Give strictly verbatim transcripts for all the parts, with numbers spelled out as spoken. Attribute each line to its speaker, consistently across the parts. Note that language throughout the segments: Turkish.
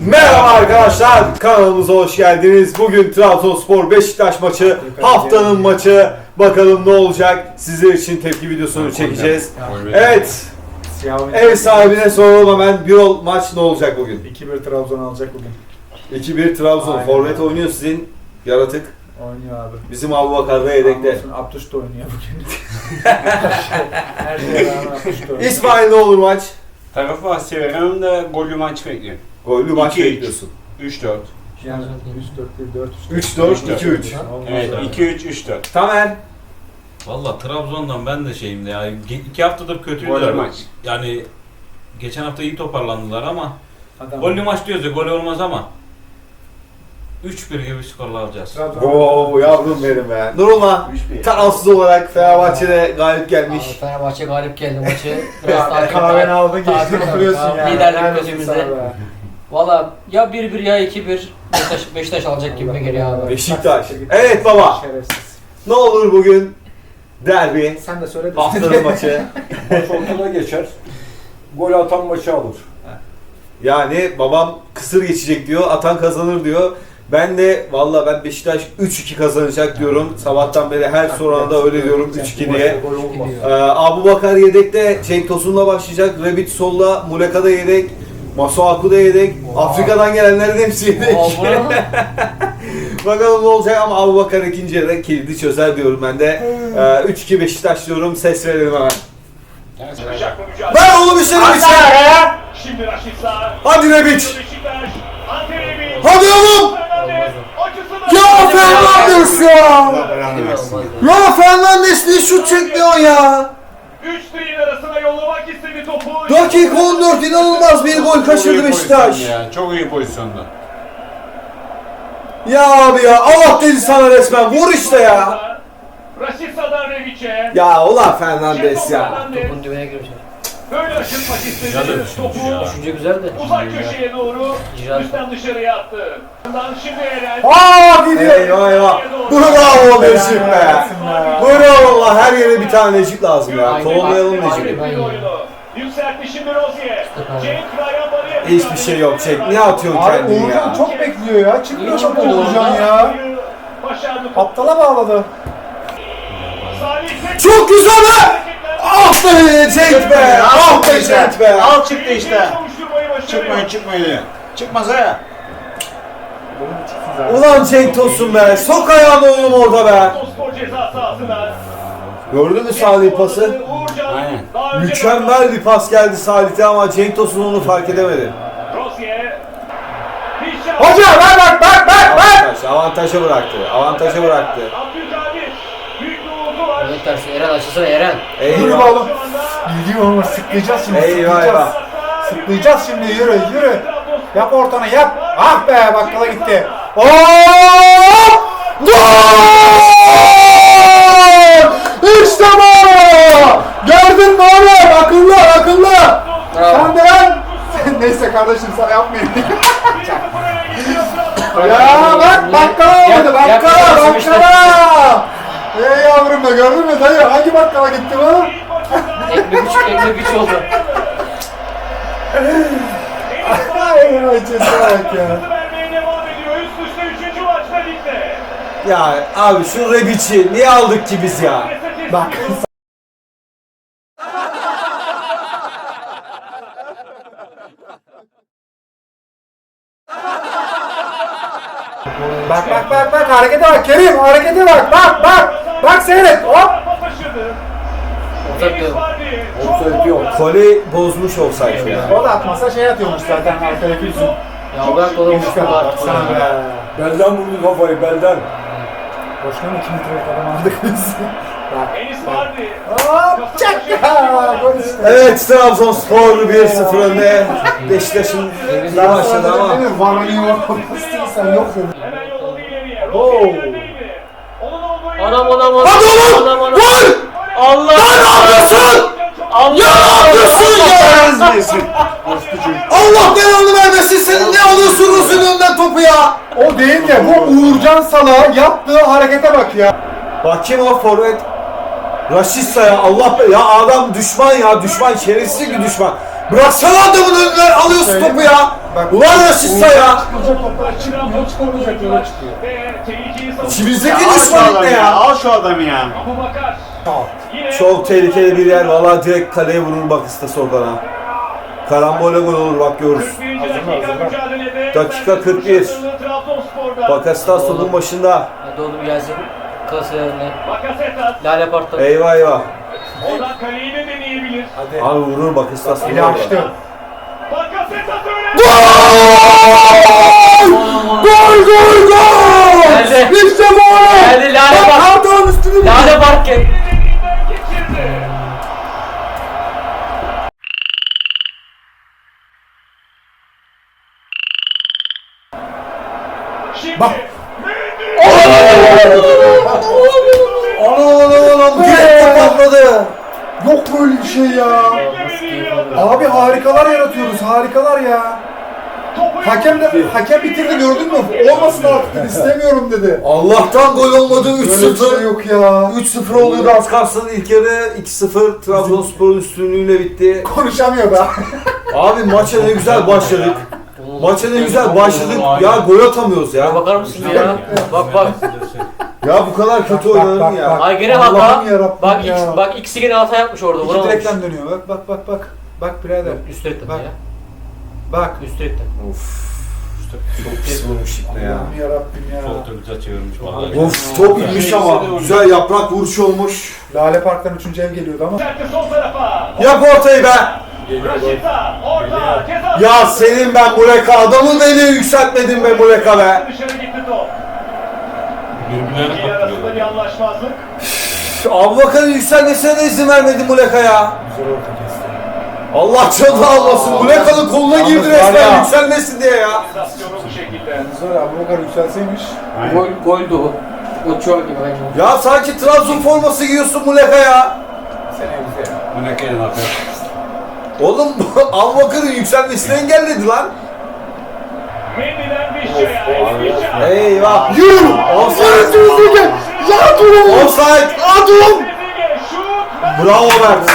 Speaker 1: Merhaba arkadaşlar, kanalımıza hoş geldiniz. Bugün Trabzonspor Beşiktaş maçı, haftanın maçı. Bakalım ne olacak? Sizler için tepki videosunu çekeceğiz. Evet, ev sahibine soralım hemen. Birol, maç ne olacak bugün?
Speaker 2: iki bir Trabzon alacak bugün.
Speaker 1: iki bir Trabzon.
Speaker 2: Aynen.
Speaker 1: Forvet oynuyor sizin yaratık.
Speaker 2: Oynuyor abi.
Speaker 1: Bizim Abubakar da yedekte.
Speaker 2: Abdüş de oynuyor bugün. Her şeye rağmen Abdüş de oynuyor.
Speaker 1: İsmail, ne olur maç?
Speaker 3: Tarafı severim de gollü maç bekliyorum.
Speaker 1: Gollü maç
Speaker 3: iki üç.
Speaker 1: bekliyorsun.
Speaker 3: üç dört.
Speaker 2: Yani üç dört bir dört
Speaker 1: üç dört iki üç.
Speaker 3: Evet, iki üç üç dört.
Speaker 1: Tamer.
Speaker 4: Valla Trabzon'dan ben de şeyim de yani ge- iki haftadır kötüydüler
Speaker 3: Gollü
Speaker 4: maç.
Speaker 3: maç.
Speaker 4: Yani geçen hafta iyi toparlandılar ama
Speaker 2: Adam.
Speaker 4: gollü maç diyoruz ya, gol olmaz ama üç bir gibi skorla alacağız.
Speaker 2: Trabzon.
Speaker 1: Oo yavrum benim be. Nurullah, tarafsız olarak Fenerbahçe'de galip gelmiş.
Speaker 5: Abi Fenerbahçe galip geldi maçı. Biraz
Speaker 2: Ya, kahveni aldın geçtin oturuyorsun ya.
Speaker 5: Liderlik
Speaker 2: Helal olsun
Speaker 5: gözümüzde.
Speaker 2: sana be.
Speaker 5: Valla ya bir bir ya iki bir Beşiktaş, Beşiktaş alacak gibi geliyor abi.
Speaker 1: Beşiktaş. Evet baba.
Speaker 2: Şerefsiz.
Speaker 1: Ne olur bugün derbi,
Speaker 2: Sen de söyle de.
Speaker 1: haftanın maçı.
Speaker 6: Maç ortada geçer. Gol atan maçı alır.
Speaker 1: Yani babam kısır geçecek diyor, atan kazanır diyor. Ben de valla ben Beşiktaş üç iki kazanacak diyorum. Sabahtan beri her sorana da öyle diyorum üç iki diye.
Speaker 6: Gol olmaz.
Speaker 1: Ee, Abubakar yedekte, Cenk Tosun'la başlayacak. Rebic solda, Muleka da yedek. Masuaku da yedek. Afrika'dan gelenlerin hepsi yedek. Bakalım ne olacak ama Abubakar ikinci yarıda kilidi çözer diyorum ben de. Ee, üç iki Beşiktaş diyorum, ses verelim hemen. Ver oğlum işleri bir şey.
Speaker 7: Şimdi Raşitsa.
Speaker 1: Hadi Rebic.
Speaker 7: Beşiktaş. Ante Rebic.
Speaker 1: Hadi oğlum.
Speaker 7: Fernandes. Açısını.
Speaker 1: Ya Fernandes ya.
Speaker 5: Olmaz.
Speaker 1: Ya Fernandes ne şut çekmiyor ya.
Speaker 7: Üç direğin arasına yollamak istedi topu.
Speaker 1: Dakika on dört, inanılmaz bir gol kaçırdı Beşiktaş.
Speaker 3: Ya, çok iyi pozisyonda.
Speaker 1: Ya abi ya, Allah dedi sana resmen, vur işte ya.
Speaker 7: Raşitsa'dan Rebic'e.
Speaker 1: Ya ulan Fernandes ya.
Speaker 5: Topun dibine girmiş.
Speaker 7: Böyle aşırtmak istedi.
Speaker 4: Güzel de düşünmüş ya.
Speaker 5: Düşünce güzel de.
Speaker 7: Uzak köşeye doğru.
Speaker 5: İcraat.
Speaker 7: Üstten dışarıya attı. Ondan şimdi Eren.
Speaker 1: Aa gidiyor. Eyvah eyvah. Bravo Necip be. Bravo valla, her yere bir tane Necip lazım ya. Kovalayalım Necip'i.
Speaker 5: Aynen.
Speaker 7: oyunu. Yükseltti şimdi Rozier. Cenk Ryan Barı'ya.
Speaker 1: Hiçbir şey yok, çek. Ne atıyorsun
Speaker 2: Abi
Speaker 1: kendini
Speaker 2: Uğurcan
Speaker 1: ya?
Speaker 2: çok bekliyor ya. Çıkmıyor
Speaker 5: İyi
Speaker 2: çok
Speaker 5: çıkmadı
Speaker 2: Uğurcan
Speaker 5: orada.
Speaker 2: ya.
Speaker 7: Başardı.
Speaker 2: Aptala bağladı.
Speaker 7: Salih Tek-
Speaker 1: Çok güzel be. Ah be Cenk be. Ah be Cenk be.
Speaker 3: Al çıktı işte.
Speaker 7: Kavuşturmayı başarıyor.
Speaker 3: Çıkmayın çıkmayın. Çıkmaz ha.
Speaker 1: Ulan Cenk Tosun be. Sok ayağını oğlum orada be.
Speaker 7: Spor ceza sahasına.
Speaker 1: Gördün mü Salih pası?
Speaker 7: Uğurcan.
Speaker 3: Aynen.
Speaker 7: Daha önce
Speaker 1: Mükemmel bir pas geldi Salih'te ama Cenk Tosun onu fark edemedi.
Speaker 7: Rozier. Hişam.
Speaker 1: Hoca ver bak bak bak bak. Avantaj, avantaja bıraktı. Avantaja bıraktı.
Speaker 7: Abdülkadir. Büyük bir uğurdu var.
Speaker 5: Evet tersi Eren açılsana Eren.
Speaker 2: Yürü
Speaker 1: Eyvah.
Speaker 2: oğlum. Yürü oğlum, sıklayacağız şimdi.
Speaker 1: Eyvah
Speaker 2: Sıklayacağız.
Speaker 1: eyvah.
Speaker 2: Sıklayacağız şimdi, yürü yürü. Yap ortana yap. Ah be, bakkala gitti.
Speaker 1: Hop! Gol! İşte bu! Gördün mü oğlum? Akıllı akıllı.
Speaker 2: Sen de lan. Neyse kardeşim, sana yapmayayım. Ya bak, bakkala olmadı,
Speaker 5: Yap- yap-
Speaker 2: bakkala
Speaker 5: yapıyorsun işte.
Speaker 2: bakkala. Ey yavrum be, gördün mü dayı? Hangi bakkala gitti bu?
Speaker 5: Ekmek üç, ekmek üç oldu.
Speaker 2: Ay acısı bak ya.
Speaker 7: Vermeye devam ediyor. Üst üste üçüncü maçta ligde.
Speaker 1: Ya abi şu Rebic'i niye aldık ki biz ya?
Speaker 2: Bak. Bak bak bak bak, harekete bak Kerim, harekete bak, bak bak. Bak seyret, hop.
Speaker 7: Pas taşıdı.
Speaker 5: Ortak
Speaker 7: Enis
Speaker 5: diyorum.
Speaker 7: Vardy.
Speaker 6: Offside yok.
Speaker 1: Koli bozmuş olsaydı ya.
Speaker 2: O da atmasa şey atıyormuş zaten arkadaki yüzün.
Speaker 5: Ya bırak oğlum
Speaker 2: Üç kadar baksana be.
Speaker 6: Belden vurdu kafayı belden.
Speaker 2: Boşuna mı iki metrelik adam aldık biz? Bak.
Speaker 7: Enis Vardy.
Speaker 2: Hop çak ya. Gol işte.
Speaker 1: Evet, Trabzonspor bir sıfır önde. Beşiktaş'ın daha başladı ama.
Speaker 2: Varlıyor. Sen yok dedin.
Speaker 7: Hemen yolladı ileriye.
Speaker 2: Oo.
Speaker 7: Rozier ilerideydi. Onun olduğu yerde-
Speaker 5: Anam anam anam.
Speaker 1: Hadi oğlum!
Speaker 5: Anam anam.
Speaker 1: Gol!
Speaker 5: Allah.
Speaker 1: Lan ne yapıyorsun?
Speaker 5: Allah.
Speaker 1: Ya ne yapıyorsun ya? Allah belanı vermesin, senin ne alıyorsun Rus'un önünden topu ya?
Speaker 2: O değil de bu Uğurcan Salah'a yaptığı harekete bak ya.
Speaker 1: Bak kim o forvet? Raşitsa ya, Allah be ya, adam düşman ya, düşman, şerefsiz bir düşman. Bıraksana adamın önünden alıyorsun topu ya.
Speaker 2: Bak.
Speaker 1: Ulan Rashica ya!
Speaker 2: Çıkılacak toplar çıkmıyor, çıkılmayacak yola çıkıyor.
Speaker 7: Ve tehlikeli savunma.
Speaker 1: İçimizdeki
Speaker 3: Al şu
Speaker 1: düşman
Speaker 3: adamı
Speaker 1: ne
Speaker 3: ya.
Speaker 1: ya?
Speaker 3: Al şu adamı ya.
Speaker 7: Abubakar. Yine
Speaker 1: Çok tehlikeli bir yer. Vallahi direkt kaleye vurur bak istese oradan ha. Karambole gol olur bak görürüz.
Speaker 7: kırk birinci dakika mücadelede.
Speaker 1: Dakika kırk bir.
Speaker 7: Trabzonspor'da.
Speaker 1: Bakasitas topun başında.
Speaker 5: Hadi oğlum gelsin. Klaselerine.
Speaker 7: Bakasetas.
Speaker 5: Lale Park'ta.
Speaker 1: Eyvah eyvah.
Speaker 7: Oradan kaleyi de deneyebilir.
Speaker 2: Hadi.
Speaker 1: Abi vurur Bakasitas.
Speaker 2: Eli açtı.
Speaker 7: Bakasetas öyle.
Speaker 1: Gol gol gol!
Speaker 5: Geldi.
Speaker 1: İşte bu!
Speaker 5: Geldi Lale Park.
Speaker 1: Pardon üstünü.
Speaker 5: Lale Park gel.
Speaker 7: Elinden geçirdi. Şimdi.
Speaker 2: Bak.
Speaker 1: Anam anam anam. Direkt patladı.
Speaker 2: Yok böyle bir şey ya. Abi harikalar yaratıyoruz, harikalar ya. Hakem de, hakem bitirdi gördün mü? Olmasın artık dedi, istemiyorum dedi.
Speaker 1: Allah'tan gol olmadı üç
Speaker 2: Böyle bir şey
Speaker 1: sıfır.
Speaker 2: yok ya.
Speaker 1: üç sıfır oluyordu az kalsın ilk yarı iki sıfır Trabzonspor'un üstünlüğüyle bitti.
Speaker 2: Konuşamıyor da.
Speaker 1: Abi maça ne güzel başladık. Maça ne güzel başladık. Ya gol atamıyoruz
Speaker 5: Ya
Speaker 1: ya.
Speaker 5: bakar mısın ya? Bak bak.
Speaker 1: Ya bu kadar kötü
Speaker 2: Bak,
Speaker 1: oynanır
Speaker 2: bak,
Speaker 1: mı ya?
Speaker 2: bak.
Speaker 5: Ay gene
Speaker 2: Allah'ım
Speaker 5: hata.
Speaker 2: yarabbim
Speaker 5: Bak
Speaker 2: ya.
Speaker 5: X, bak ikisi gene hata yapmış orada.
Speaker 2: İki
Speaker 5: Vuramamış.
Speaker 2: direkten dönüyor bak bak bak bak. Bak birader.
Speaker 5: Üst direkten
Speaker 2: Bak.
Speaker 5: ya.
Speaker 2: Bak.
Speaker 5: Üst direkten.
Speaker 1: Of. Çok pis vurmuş ipne ya.
Speaker 2: Allah'ım yarabbim ya.
Speaker 4: Çok da güzel çevirmiş vallahi.
Speaker 1: Of top inmiş ama güzel yaprak vuruş olmuş.
Speaker 2: Lale Park'tan üçüncü ev geliyordu ama.
Speaker 7: Sertti sol tarafa.
Speaker 1: Yap ortayı be.
Speaker 7: Raşit'a. Orta. Ceza.
Speaker 1: Ya senin ben Muleka adamı beni yükseltmedin be Muleka be.
Speaker 7: Dışarı gitti top.
Speaker 4: Birbirlerine
Speaker 7: İki arasında bir
Speaker 4: patlıyorlar.
Speaker 7: anlaşmazlık.
Speaker 1: Abubakar'ın yükselmesine de izin vermedi Muleka ya.
Speaker 2: Güzel orta kesti.
Speaker 1: Allah canını almasın. Muleka'nın koluna
Speaker 2: Yalnız
Speaker 1: girdi
Speaker 2: var ya.
Speaker 1: resmen yükselmesin diye ya.
Speaker 7: Sensasyonu bu şekilde.
Speaker 2: Yalnız var ya Abubakar yükselseymiş.
Speaker 5: Gol, goldü o. O çok gibi aynı.
Speaker 1: Ya sanki Trabzon forması giyiyorsun Muleka ya.
Speaker 2: Seneye bize ya.
Speaker 3: Bu ne kelin atıyor.
Speaker 1: Oğlum Abubakar'ın yükselmesini engelledi lan.
Speaker 7: Mendy'den Vişça'ya. Vişça.
Speaker 1: Eyvah.
Speaker 2: Yürü!
Speaker 1: Offside.
Speaker 2: Ya durun!
Speaker 1: Offside. Adum.
Speaker 7: Trezeguet şut.
Speaker 1: Bravo Mert.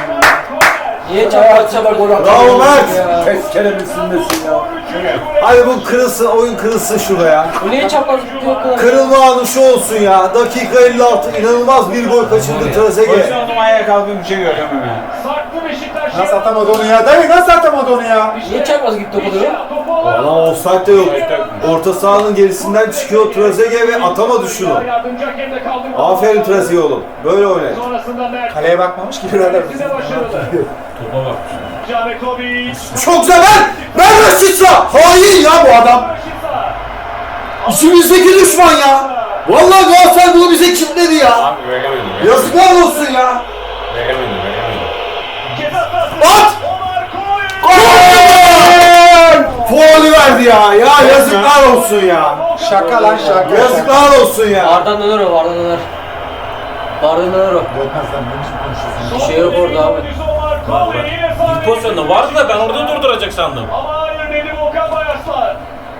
Speaker 5: Niye çapraz çapraz gol
Speaker 1: Bravo Mert.
Speaker 5: ya?
Speaker 6: Tezkere misindesin ya.
Speaker 1: Hadi bu kırılsın, oyun kırılsın şurada ya.
Speaker 5: Bu niye çapraz gidiyor o kadar?
Speaker 1: Kırılma anı şu olsun ya. Dakika elli altı inanılmaz bir gol kaçırdı Trezeguet.
Speaker 3: Pozisyonum ayağa kalkıp bir şey görüyorum hemen.
Speaker 7: Sarktı Beşiktaş.
Speaker 2: Nasıl atamadı onu ya? Dayı nasıl atamadı onu ya?
Speaker 5: Niye çapraz gitti o kadar?
Speaker 7: Vişça topu alan.
Speaker 1: Ama offside de yok. Orta sahanın gerisinden çıkıyor Trezeguet ve atamadı şunu.
Speaker 7: Yardımcı hakem de kaldırdı.
Speaker 1: Aferin Trezeguet oğlum. Böyle oynayın.
Speaker 7: Sonrasında Mert.
Speaker 2: Kaleye bakmamış ki birader.
Speaker 7: Size başarılı.
Speaker 4: Topa bak.
Speaker 7: Canekovic.
Speaker 1: Çok güzel ben. Ben Rashica. Hain ya bu adam.
Speaker 7: Raşit'a.
Speaker 1: İçimizdeki düşman ya. Vallahi Galatasaray bunu bize kilitledi ya.
Speaker 3: Abi veremedim.
Speaker 1: Yazıklar olsun ya.
Speaker 3: Veremedim, veremedim.
Speaker 7: Ceza sahası.
Speaker 1: At.
Speaker 7: Omar Koy.
Speaker 1: Gol! Faulü verdi ya. Ya yazıklar olsun ya.
Speaker 2: Şaka lan şaka.
Speaker 1: Yazıklar olsun ya.
Speaker 5: Vardan döner o, vardan döner. Vardan döner o.
Speaker 2: Dönmez lan ne biçim konuşuyorsun?
Speaker 5: Bir şey yok orada abi.
Speaker 7: Omar Koy yine sahaya
Speaker 4: Bir pozisyonda vardı da ben orada durduracak sandım.
Speaker 7: Ama hayır dedi Volkan Bayarslan.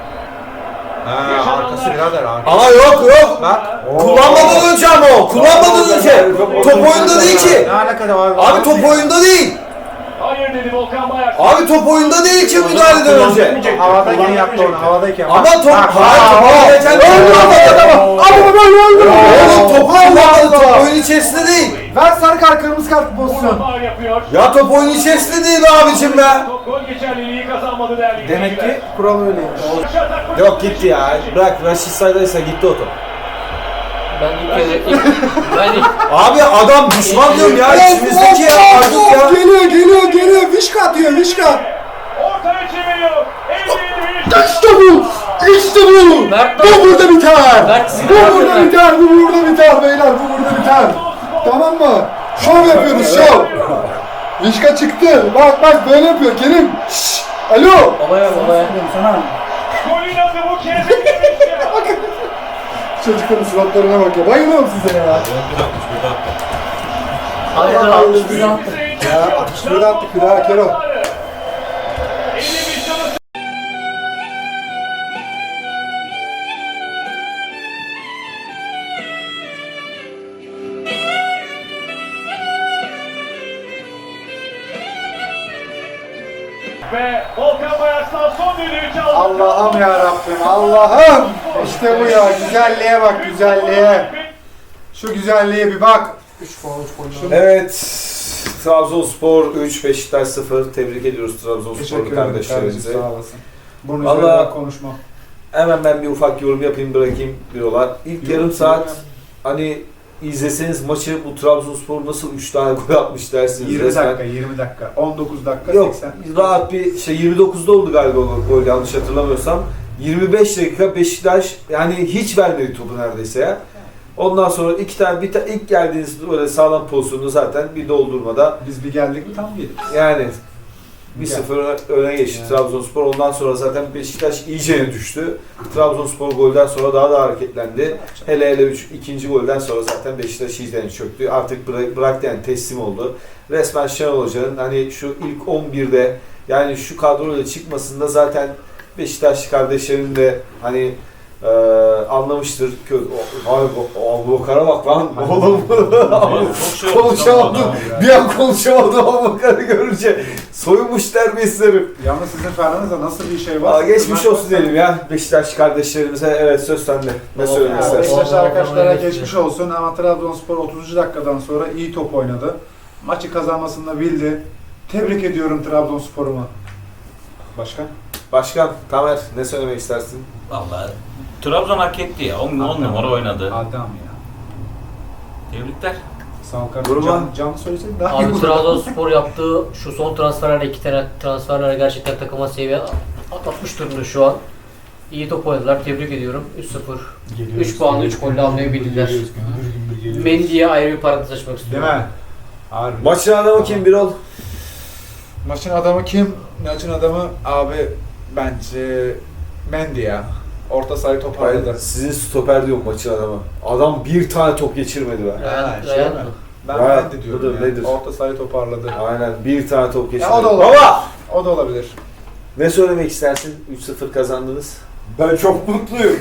Speaker 2: Ha, arkası birader arkası.
Speaker 1: Ama yok yok.
Speaker 2: Bak.
Speaker 1: Kullanmadan önce ama o. Kullanmadan önce. Top oyunda değil ki.
Speaker 2: Ne alakası var?
Speaker 1: Abi top oyunda değil.
Speaker 7: Hayır dedi Volkan Bayarslan.
Speaker 1: Abi top oyunda değil ki müdahaleden önce.
Speaker 2: Havadayken yaptı onu havadayken.
Speaker 1: Ama
Speaker 2: Bak,
Speaker 1: top
Speaker 2: bak,
Speaker 1: hayır
Speaker 2: bak,
Speaker 1: topu
Speaker 2: bak.
Speaker 1: geçen
Speaker 2: Ama böyle öldü.
Speaker 1: Oğlum topu kullanmadı. Top oyun içerisinde değil.
Speaker 2: Ver sarı kart kırmızı kart pozisyon.
Speaker 7: Faul yapıyor.
Speaker 1: Ya top oyun içerisinde değil be abicim be.
Speaker 7: Top gol geçerliliği kazanmadı değerli
Speaker 2: Demek
Speaker 7: izleyiciler.
Speaker 2: ki kural öyleymiş.
Speaker 7: Karşı atak
Speaker 1: Yok gitti ya. Bırak Raşit Say'daysa gitti o top.
Speaker 5: Ben ilk kere... ilk- Ben ilk...
Speaker 1: Abi adam düşman diyorum ya. İçimizdeki ya artık ya.
Speaker 2: Geliyor geliyor geliyor. Vişka atıyor Vişka.
Speaker 7: ortaya çeviriyor. Elini
Speaker 2: İşte bu. İşte bu.
Speaker 5: Mert
Speaker 2: Bu burada biter.
Speaker 5: Mert sizin
Speaker 2: Bu
Speaker 5: Mert
Speaker 2: burada
Speaker 5: Mert.
Speaker 2: biter. Bu burada biter beyler. Bu burada biter. Tamam mı? Şov yapıyoruz şov. Vişka çıktı. Bak bak böyle yapıyor. Kerim. Şşş. Alo.
Speaker 5: Babaya babaya.
Speaker 2: Sana.
Speaker 7: golün adı bu kez. Vişça.
Speaker 2: Çocukların suratlarına bak ya. Bayılıyorum size ya.
Speaker 4: Bir atmış, bir attı.
Speaker 5: Hayır altmış bir attı.
Speaker 2: Ya altmış bir attık bir daha Kero.
Speaker 7: elli Vişça'nın Ve Volkan Bayarslan son düdüğü çaldı.
Speaker 2: Allah'ım ya Rabbim, Allah'ım. İşte bu ya, güzelliğe bak, güzelliğe. Şu güzelliğe bir bak.
Speaker 5: üç puan üç gol.
Speaker 1: Evet. Trabzonspor üç, Beşiktaş sıfır. Tebrik ediyoruz
Speaker 2: Teşekkür
Speaker 1: Trabzonsporlu
Speaker 2: ederim
Speaker 1: kardeşlerimize.
Speaker 2: kardeşim, sağ olasın. Bunun
Speaker 1: Vallahi-
Speaker 2: üzerine konuşmam.
Speaker 1: Hemen ben bir ufak yorum yapayım bırakayım diyorlar. İlk
Speaker 2: Yok,
Speaker 1: yarım
Speaker 2: yok
Speaker 1: saat
Speaker 2: ya.
Speaker 1: hani izleseniz maçı bu Trabzonspor nasıl üç tane gol atmış dersiniz.
Speaker 2: yirmi
Speaker 1: resmen.
Speaker 2: dakika, yirmi dakika, on dokuz dakika,
Speaker 1: Yok
Speaker 2: seksen.
Speaker 1: rahat bir şey yirmi dokuzda oldu galiba o gol yanlış hatırlamıyorsam. yirmi beş dakika Beşiktaş yani hiç vermedi topu neredeyse ya. Ondan sonra iki tane bir ta, ilk geldiğiniz böyle sağlam pozisyonu zaten bir doldurmada
Speaker 2: Biz bir geldik mi tam yedik.
Speaker 1: yani bir
Speaker 2: Gel.
Speaker 1: sıfır öne geçti
Speaker 2: Yani.
Speaker 1: Trabzonspor. Ondan sonra zaten Beşiktaş iyicene düştü. Trabzonspor golden sonra daha da hareketlendi. Hele hele üç, ikinci golden sonra zaten Beşiktaş iyicene çöktü. Artık bıra- bıraktı yani teslim oldu. Resmen Şenol Hoca'nın hani şu ilk on birde yani şu kadroyla çıkmasında zaten Beşiktaşlı kardeşlerim de hani e, anlamıştır. Kö- o- Abi bu- Abu Bakar'a bak lan oğlum.
Speaker 4: Çok şey oldu.
Speaker 1: Konuşamadım. Bir an konuşamadım Abu Bakar'ı görünce. Soyunmuş terbiyesizlerim.
Speaker 2: Yalnız sizin Fernand'da nasıl bir şey
Speaker 1: Aa,
Speaker 2: var?
Speaker 1: geçmiş olsun diyelim ya Beşiktaş kardeşlerimize. Evet söz sende. Ne
Speaker 5: Tamam.
Speaker 1: söylemek
Speaker 2: Yani
Speaker 1: istersin?
Speaker 2: Beşiktaş
Speaker 5: Vallahi
Speaker 2: arkadaşlara
Speaker 5: vallahi
Speaker 2: geçmiş olsun ama Trabzonspor otuzuncu dakikadan sonra iyi top oynadı. Maçı kazanmasını da bildi. Tebrik ediyorum Trabzonspor'umu. Başka?
Speaker 1: Başkan, Tamer ne söylemek istersin?
Speaker 4: Vallahi Trabzon hak etti ya. on numara oynadı.
Speaker 2: Adam ya.
Speaker 4: Tebrikler.
Speaker 2: Sağ ol kardeşim.
Speaker 1: Durma.
Speaker 2: Can, can söyleseydin daha iyi
Speaker 5: Abi
Speaker 2: olur.
Speaker 5: Trabzonspor yaptığı şu son transferlerle iki tane transferlerle gerçekten takıma seviye atlatmış durumda şu an. İyi top oynadılar. Tebrik ediyorum. üç sıfır. üç puanla üç golle almayı bildiler. Mendy'ye ayrı bir parantez açmak
Speaker 2: Değil
Speaker 5: istiyorum.
Speaker 2: mi? Harbi.
Speaker 1: Maçın adamı kim Birol?
Speaker 2: Maçın adamı kim? Maçın adamı abi bence Mendy ya. Orta sahayı toparladı.
Speaker 1: Hayır, sizin stoper diyor maçın adamı. Adam bir tane top geçirmedi be.
Speaker 5: Ryan,
Speaker 2: Ha, şey
Speaker 5: Ryan
Speaker 2: mi?
Speaker 5: mı?
Speaker 2: Ben
Speaker 1: Ya,
Speaker 2: Mendy diyorum
Speaker 1: budur,
Speaker 2: ya.
Speaker 1: nedir?
Speaker 2: Orta sahayı toparladı.
Speaker 1: Aynen bir tane top geçirmedi.
Speaker 2: Ya o da olabilir.
Speaker 1: Baba!
Speaker 2: O da olabilir.
Speaker 1: Ne söylemek istersin? üç sıfır kazandınız.
Speaker 6: Ben çok mutluyum.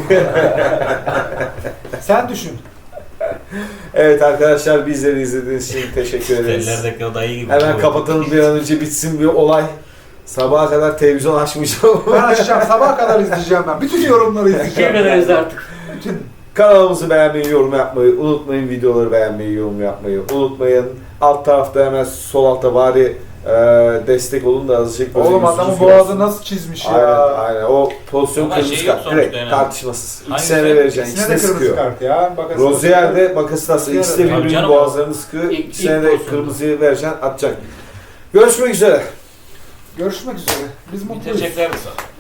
Speaker 2: Sen düşün.
Speaker 1: Evet arkadaşlar bizleri izlediğiniz için teşekkür ederiz.
Speaker 4: Ellerdeki o dayı gibi.
Speaker 1: Hemen kapatalım bir an önce bitsin bir olay. Sabaha kadar televizyon açmayacağım.
Speaker 2: Ben açacağım. Sabaha kadar izleyeceğim ben. Bütün yorumları izleyeceğim.
Speaker 5: Kim kadar izle artık.
Speaker 2: Bütün.
Speaker 1: Kanalımızı beğenmeyi, yorum yapmayı unutmayın. Videoları beğenmeyi, yorum yapmayı unutmayın. Alt tarafta hemen sol altta bari e, destek olun da azıcık böyle
Speaker 2: Oğlum
Speaker 1: yüzünüz
Speaker 2: adamın
Speaker 1: görsün.
Speaker 2: boğazı nasıl çizmiş ya.
Speaker 1: Aynen aynen. O pozisyon
Speaker 4: Ama
Speaker 1: kırmızı
Speaker 4: şey yok
Speaker 1: kart.
Speaker 4: sonuçta
Speaker 1: Direkt
Speaker 4: yani.
Speaker 1: tartışmasız.
Speaker 4: Hangisi?
Speaker 1: İkisine de vereceksin.
Speaker 2: İkisine
Speaker 1: İkisine
Speaker 2: de
Speaker 1: de
Speaker 2: kırmızı
Speaker 1: sıkıyor.
Speaker 2: kart ya. Bakasın.
Speaker 1: Rozier de Bakasitas'la ikisi de
Speaker 2: Tabii
Speaker 1: birbirinin
Speaker 4: canım.
Speaker 1: boğazlarını sıkıyor.
Speaker 5: İlk-
Speaker 1: İkisine
Speaker 5: ilk
Speaker 1: de
Speaker 5: pozisyonda.
Speaker 1: kırmızıyı vereceksin, atacaksın. Görüşmek üzere.
Speaker 2: Görüşmek üzere. Biz mutluyuz.
Speaker 4: Bitirecekler mi sana?